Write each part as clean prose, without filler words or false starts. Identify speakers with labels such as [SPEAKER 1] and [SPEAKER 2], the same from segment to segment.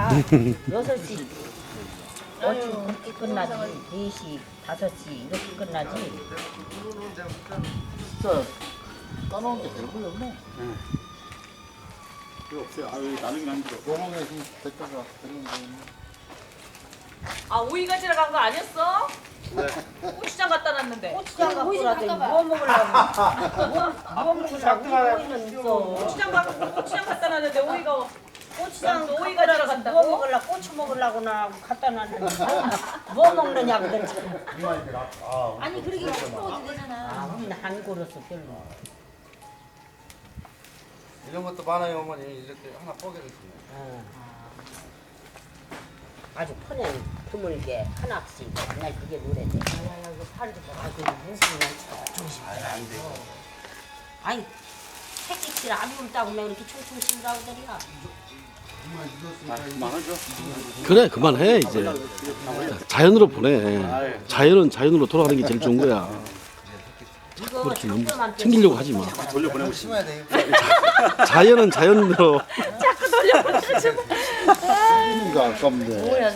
[SPEAKER 1] 6시 어찌 그렇게 끝나지 4시 5시 이렇게 끝나지
[SPEAKER 2] 진짜 까놓은 게 별거 없네. 필요 없어요. 아유 나누긴 안 들어. 영웅의 힘 대가가 됐는데.
[SPEAKER 3] 아 오이 가지러 간 거 아니었어? 고추장 갖다 놨는데.
[SPEAKER 1] 고추장 갖고 라더니 뭐 먹으려고 뭐 먹으려고 오이는 있어
[SPEAKER 3] 고추장 갖다 놨는데 오이가
[SPEAKER 1] 고추장
[SPEAKER 3] 또 오이
[SPEAKER 1] 갖고
[SPEAKER 3] 가지러
[SPEAKER 1] 라서
[SPEAKER 3] 간다고?
[SPEAKER 1] 뭐 먹으려고 고추 먹으려고나 갖다 놨는데 뭐 먹느냐고 그랬지
[SPEAKER 4] 아니 그렇게 먹어도 되잖아.
[SPEAKER 1] 아 우리는 한 그릇도 별로
[SPEAKER 5] 이런 것도 많아요 어머니. 이렇게 하나 뽀개를 주네.
[SPEAKER 1] 어. 아주 편해 드물게 하나씩 맨날 그게 노래돼 이거 팔도 아주 무슨 조심
[SPEAKER 5] 안 돼.
[SPEAKER 1] 아니 택시를 안 울다고 면 이렇게 총총 치라고 그러냐
[SPEAKER 2] 많아져.
[SPEAKER 6] 그래 그만해 이제 자연으로 보내. 자연은 자연으로 돌아가는 게 제일 좋은 거야.
[SPEAKER 1] 이거
[SPEAKER 6] 그렇게 너무
[SPEAKER 1] 정도만
[SPEAKER 6] 챙기려고 하지 마.
[SPEAKER 2] 돌려 보내고 싶어.
[SPEAKER 5] 심어야 돼.
[SPEAKER 6] 자연은 자연으로.
[SPEAKER 2] 이거 아깝네.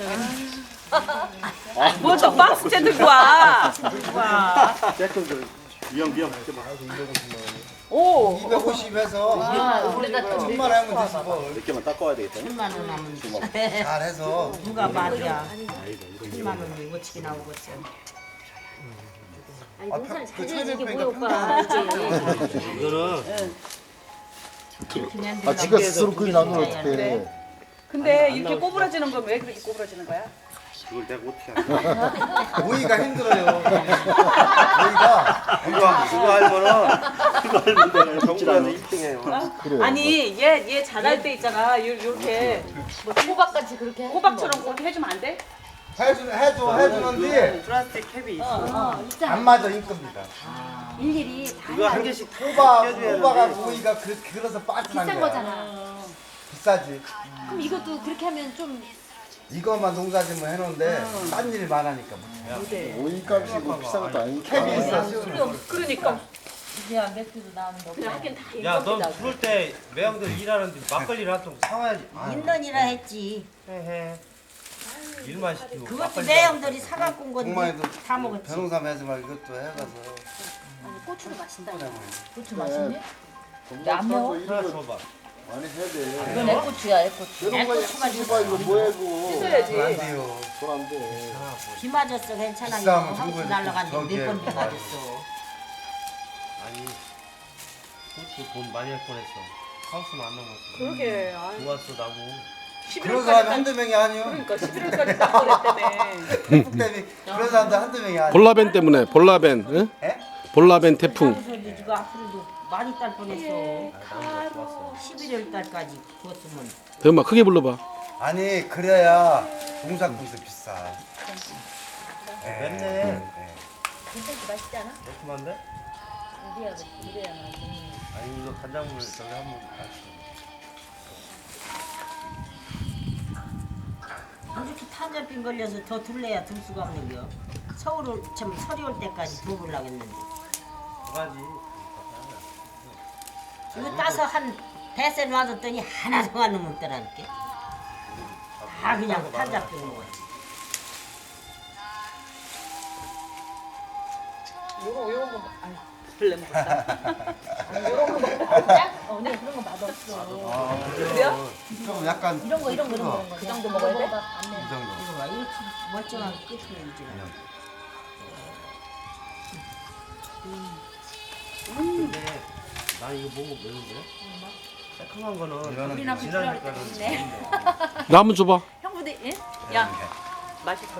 [SPEAKER 3] 뭐저 박스째 들고 와.
[SPEAKER 2] 쬐끔 미영 그때 막
[SPEAKER 3] 오.
[SPEAKER 5] 250에서
[SPEAKER 4] 우리가 또
[SPEAKER 5] 1000만 원 하면 되지 뭐.
[SPEAKER 2] 몇 개만 닦아야 되겠다.
[SPEAKER 1] 10만 원 하면
[SPEAKER 5] 잘해서.
[SPEAKER 1] 누가 말이야 10만 원이 어떻게 나오겠어
[SPEAKER 4] 아니
[SPEAKER 5] 아,
[SPEAKER 4] 농사를
[SPEAKER 5] 그
[SPEAKER 4] 잘 지는 게
[SPEAKER 5] 천일백
[SPEAKER 4] 뭐야 오빠.
[SPEAKER 5] 이거는
[SPEAKER 2] 아 지가 스스로 그게 나면 어떡해.
[SPEAKER 3] 근데 이렇게 꼬부라지는 건 왜 그렇게 꼬부라지는 거야?
[SPEAKER 2] 그걸 내가 어떻게 알아?
[SPEAKER 5] 오이가 힘들어요. 오이가
[SPEAKER 2] 그거 알면은 내가 정부한테 1등해요.
[SPEAKER 5] 그래.
[SPEAKER 3] 아니 얘 자랄 때 있잖아. 요렇게
[SPEAKER 4] 뭐 호박같이 그렇게
[SPEAKER 3] 호박처럼 그렇게 해주면 안 돼?
[SPEAKER 5] 해주는데
[SPEAKER 7] 플라스틱 캡이 있어.
[SPEAKER 4] 있잖아.
[SPEAKER 5] 안 맞아 인건비가.
[SPEAKER 4] 일일이 다
[SPEAKER 7] 그거 한
[SPEAKER 4] 해야
[SPEAKER 7] 개씩
[SPEAKER 5] 호박하고 오이가 그래서 빠진한
[SPEAKER 4] 비싼
[SPEAKER 5] 거야.
[SPEAKER 4] 거잖아.
[SPEAKER 5] 비싸지.
[SPEAKER 4] 그럼 이것도 그렇게 하면 좀
[SPEAKER 5] 이것만 농사짓면 해놓은데 딴 일 많으니까.
[SPEAKER 2] 오이값이 뭐 비싼 것도 아니니까.
[SPEAKER 5] 캡이 있어.
[SPEAKER 3] 그러니까.
[SPEAKER 1] 이제야 맥주도 나오는 거
[SPEAKER 3] 그냥 하긴 다
[SPEAKER 7] 야, 넌
[SPEAKER 3] 인건비다.
[SPEAKER 7] 부를 때 매형들 일하는데 막걸리를 한 통 사와야지.
[SPEAKER 1] 인던이라 했지
[SPEAKER 7] 해. 일만 시키고.
[SPEAKER 1] 그것도
[SPEAKER 7] 막걸리
[SPEAKER 1] 내 형들이 사갖고 온 건데
[SPEAKER 5] 엄마에도
[SPEAKER 1] 다 먹었지
[SPEAKER 5] 변호사 하지 말고 이것도 해가서.
[SPEAKER 4] 아니 고추를 마신다.
[SPEAKER 1] 고추
[SPEAKER 2] 맛있네.
[SPEAKER 1] 안 매워?
[SPEAKER 7] 하나 줘봐.
[SPEAKER 2] 많이 해야 돼.
[SPEAKER 1] 이건 애고추야 애고추
[SPEAKER 2] 이런 거 씻어봐 이거 뭐야 이거.
[SPEAKER 3] 씻어야지.
[SPEAKER 5] 안 돼요.
[SPEAKER 2] 돈안 돼.
[SPEAKER 1] 비 맞았어 괜찮아 이거
[SPEAKER 5] 비싸면
[SPEAKER 1] 하우스
[SPEAKER 5] 중국에서
[SPEAKER 1] 날라갔는데
[SPEAKER 5] 저기에
[SPEAKER 1] 몇 번 비 맞았어
[SPEAKER 7] 아니, 고추 돈 많이 할 뻔했어. 하우스는 안 넘었어.
[SPEAKER 3] 그러게.
[SPEAKER 7] 좋았어, 나무.
[SPEAKER 5] 그런 사람이
[SPEAKER 3] 11월까지
[SPEAKER 5] 한두 명이 아니요.
[SPEAKER 3] 그러니까 11월까지 딱 그랬다며.
[SPEAKER 5] 태풍 때문에 그런 사람도 한두 명이 아니요.
[SPEAKER 6] 볼라벤 때문에 볼라벤. 응?
[SPEAKER 5] 예?
[SPEAKER 6] 볼라벤 태풍.
[SPEAKER 1] 소리 지가 앞으로도 많이 딸 뻔했어
[SPEAKER 7] 나무가 좋았어.
[SPEAKER 1] 11월 달까지 뒀으면
[SPEAKER 6] 엄마 크게 불러봐.
[SPEAKER 5] 아니 그래야 농사꾼도 비싸.
[SPEAKER 7] 맵네.
[SPEAKER 4] 괜찮지 맛있지 않아?
[SPEAKER 7] 매콤한데?
[SPEAKER 4] 이래야 맛있네.
[SPEAKER 7] 아니, 이거 간장물 저기 한번 같이.
[SPEAKER 1] 이렇게 탄저병 걸려서 더 둘래야 둘 수가 없는 겨 서울을 참 서리 올 때까지 더 보려고 했는데
[SPEAKER 7] 두 가지.
[SPEAKER 1] 이거 따서 한 대세 놔뒀더니 하나도 안 넘었더라니까 다 그냥 탄저병 먹었지
[SPEAKER 3] 요런 거 아니 별로 먹었다.
[SPEAKER 4] 언니 그런 거 맛없어.
[SPEAKER 3] 그래요?
[SPEAKER 5] 좀 약간
[SPEAKER 4] 이런 거
[SPEAKER 3] 그 정도 먹어야 돼?
[SPEAKER 5] 이 정도.
[SPEAKER 1] 이거 봐 이렇게 멀쩡한 끝을 이제
[SPEAKER 7] 근데 난 이거 먹으면 매운데? 새콤한 거는
[SPEAKER 5] 이거는
[SPEAKER 4] 우리나
[SPEAKER 7] 진한
[SPEAKER 4] 부끄러울 때
[SPEAKER 7] 색깔은
[SPEAKER 4] 있네.
[SPEAKER 6] 나 한번 줘봐.
[SPEAKER 4] 형부도 예?
[SPEAKER 3] 야 맛있어.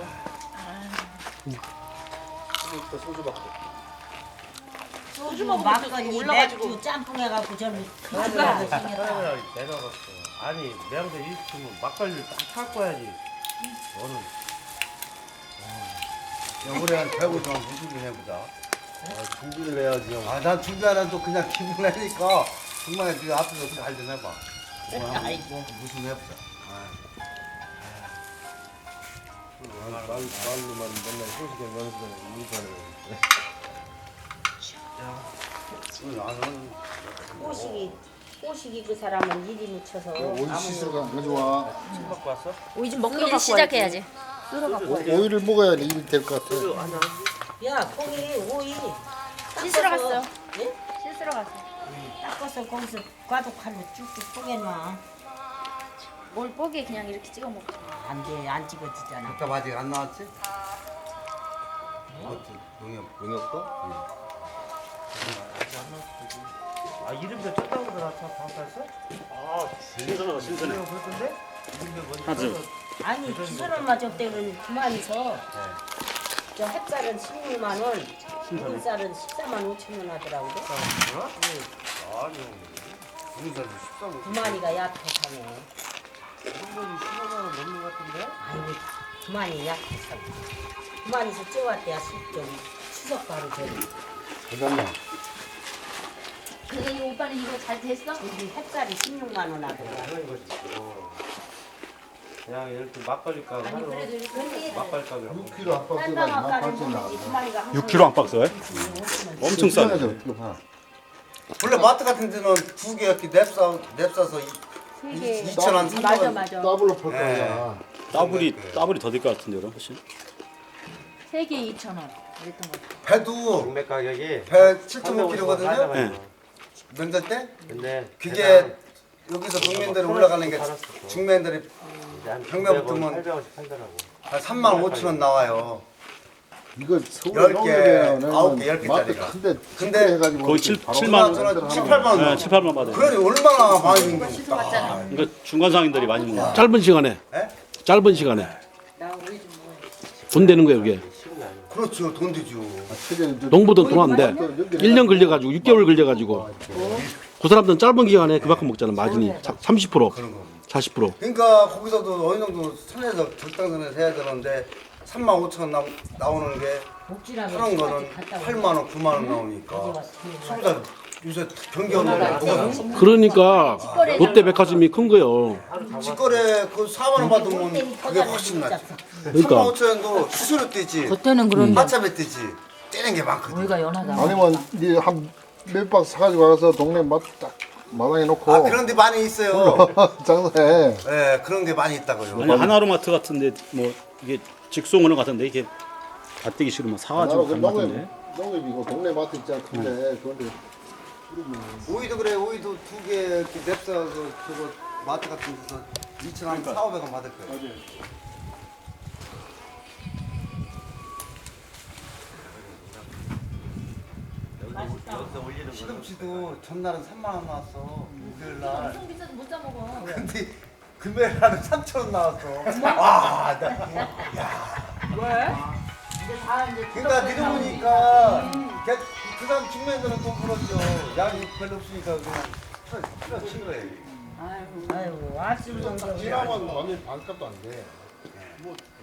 [SPEAKER 1] 소주
[SPEAKER 3] 먹으면
[SPEAKER 1] 막걸리
[SPEAKER 3] 올라가지고.
[SPEAKER 1] 맥주 짬뽕 해갖고 저는
[SPEAKER 3] 그러니까.
[SPEAKER 1] 그거라도 생겼다
[SPEAKER 7] 카메라 내려갔어. 아니 매형들 일 시키면 막걸리를 딱 타고 와야지. 너는
[SPEAKER 5] 우리 한 150만 무슨 해보자.
[SPEAKER 2] 준비를 해야지 형.
[SPEAKER 5] 아, 난 준비 안 해도 그냥 기분 내니까 정말 그 앞에서 잘 좀 해봐.
[SPEAKER 1] 아이고
[SPEAKER 5] 무슨 해보자.
[SPEAKER 2] 말로만 맨날 소식에 면서 인사를.
[SPEAKER 5] 나는
[SPEAKER 1] 호식이 꼬시기 그 사람은 일이 묻혀서
[SPEAKER 2] 오이 씻으러 가져와.
[SPEAKER 7] 침 갖고 왔어?
[SPEAKER 4] 오이 좀 먹기 일 시작해야지.
[SPEAKER 2] 오이를 먹어야 일이 될 것 같아.
[SPEAKER 1] 야 거기 오이
[SPEAKER 4] 씻으러 갔어.
[SPEAKER 1] 예?
[SPEAKER 4] 씻으러 갔어.
[SPEAKER 1] 닦아서 거기서 과도칼로 쭉쭉 쪼개놔.
[SPEAKER 4] 뭘 뽀개 그냥 이렇게 찍어 먹자.
[SPEAKER 1] 안돼 안 찍어지잖아.
[SPEAKER 5] 답답 아직 안 나왔지? 용역 거?
[SPEAKER 7] 아 이름표 쳤다고 들었어? 방탈서?
[SPEAKER 6] 신선하다 신선해.
[SPEAKER 7] 그랬던데?
[SPEAKER 6] 하죠.
[SPEAKER 1] 아니 기술을 맞았대는 그만해서 저 햇살은 16만 원, 묵은쌀은 14만 5천 원 하더라고.
[SPEAKER 5] 아니요. 용사도 13원.
[SPEAKER 1] 그만이가 약해서네.
[SPEAKER 7] 한 번이 15만 원 넘는 것 같은데?
[SPEAKER 1] 아이고 그만이 약해서. 그만해서 쪄왔대야 저기 추석 바로 전에.
[SPEAKER 5] 잠깐만.
[SPEAKER 4] 근데 이 오빠는 이거 잘 됐어?
[SPEAKER 1] 여기 햇살이 16만 원 하더라고.
[SPEAKER 7] 그냥 이렇게 막걸리 값
[SPEAKER 4] 아니
[SPEAKER 7] 하루
[SPEAKER 4] 그래도 이렇게
[SPEAKER 7] 막걸리 값이라고
[SPEAKER 2] 6kg 한 박스가
[SPEAKER 1] 딴방
[SPEAKER 2] 2만
[SPEAKER 1] 아까는
[SPEAKER 2] 8천 나와.
[SPEAKER 1] 그만이가 항상
[SPEAKER 6] 6kg 한 박스에? 엄청 싸네.
[SPEAKER 2] 어떻게 봐.
[SPEAKER 5] 원래 마트 같은 데는 두 개 이렇게 냅싸서 2,000원, 3,000원.
[SPEAKER 4] 맞아 맞아.
[SPEAKER 2] 더블로 팔 거야.
[SPEAKER 6] 더블이 더 될 것 같은데요, 훨씬.
[SPEAKER 4] 3개 2,000원. 이랬던 거.
[SPEAKER 5] 배도
[SPEAKER 7] 경매 가격이
[SPEAKER 5] 배 7.5kg거든요.
[SPEAKER 6] 네.
[SPEAKER 5] 명절 때?
[SPEAKER 7] 근데
[SPEAKER 5] 그게 여기서 동면들이 올라가는 게 중면들이 경매 붙으면
[SPEAKER 7] 800원씩 팔더라고.
[SPEAKER 5] 한 35,000원 나와요.
[SPEAKER 2] 이거 서울
[SPEAKER 5] 10개, 9개, 10개
[SPEAKER 2] 마트
[SPEAKER 5] 짜리가.
[SPEAKER 2] 큰데
[SPEAKER 5] 근데
[SPEAKER 2] 해가지고
[SPEAKER 6] 거의 7만 원.
[SPEAKER 5] 저는 7, 8만 원.
[SPEAKER 6] 네, 7, 8만 받아요.
[SPEAKER 5] 그러니 얼마나 많이 있는 거야.
[SPEAKER 6] 그러니까 중간 상인들이 많이 먹는. 짧은 시간에.
[SPEAKER 5] 예?
[SPEAKER 6] 짧은 시간에. 돈 되는 거예요, 이게.
[SPEAKER 5] 그렇죠. 돈 되죠.
[SPEAKER 6] 농부들 돈 안 돼. 1년 걸려가지고 6개월 걸려가지고. 그 사람들은 짧은 기간에 그만큼 먹잖아. 마진이 30%,
[SPEAKER 5] 그런 거.
[SPEAKER 6] 40%.
[SPEAKER 5] 그러니까 거기서도 어느 정도 선에서 적당선에서 해야 되는데 35,000원 나오는 게
[SPEAKER 1] 복지라면
[SPEAKER 5] 하는 거는 8만 원, 9만 원 나오니까 소비자 요새 경기 없는데 누가 사?
[SPEAKER 6] 그러니까 롯데백화점이 큰 거예요.
[SPEAKER 5] 직거래 그 4만 원 받으면 그게 훨씬 낫지.
[SPEAKER 6] 그러니까
[SPEAKER 5] 35,000원도 수수료 떼지,
[SPEAKER 3] 겉에는 그런데
[SPEAKER 5] 하차비 떼지, 떼는 게 많거든.
[SPEAKER 3] 우리가 연하다.
[SPEAKER 2] 아니면 네한몇 박스 사가지고 가서 동네 딱 마당에 놓고
[SPEAKER 5] 아 그런 데 많이 있어요.
[SPEAKER 2] 장사해.
[SPEAKER 5] 예, 그런 게 많이 있다고요.
[SPEAKER 6] 아니 하나로마트 같은데 뭐 이게 직송하는 것 같은데 이게 밭대기 싫으면 사가지고 가는 것 같은데.
[SPEAKER 2] 농협이고 동네 마트 있잖아 큰데 그런데
[SPEAKER 5] 오이도 그래. 오이도 두 개 이렇게 냅싸서 저거 마트 같은 데서 2,000원, 4,500원 받을 거예요. 시금치도 전날은 3만 원 나왔어. 목요일 날.
[SPEAKER 4] 엄청 비싸도 못 사 먹어.
[SPEAKER 5] 근데 금요일 날은 3,000원 나왔어. 와, 그러니까 믿어보니까 그 사람 중매들은 돈 벌었죠. 양이 별로 없으니까 그냥 친 거예요.
[SPEAKER 1] 아이고 아침 정도
[SPEAKER 2] 지나면 완전 반값도 안 돼.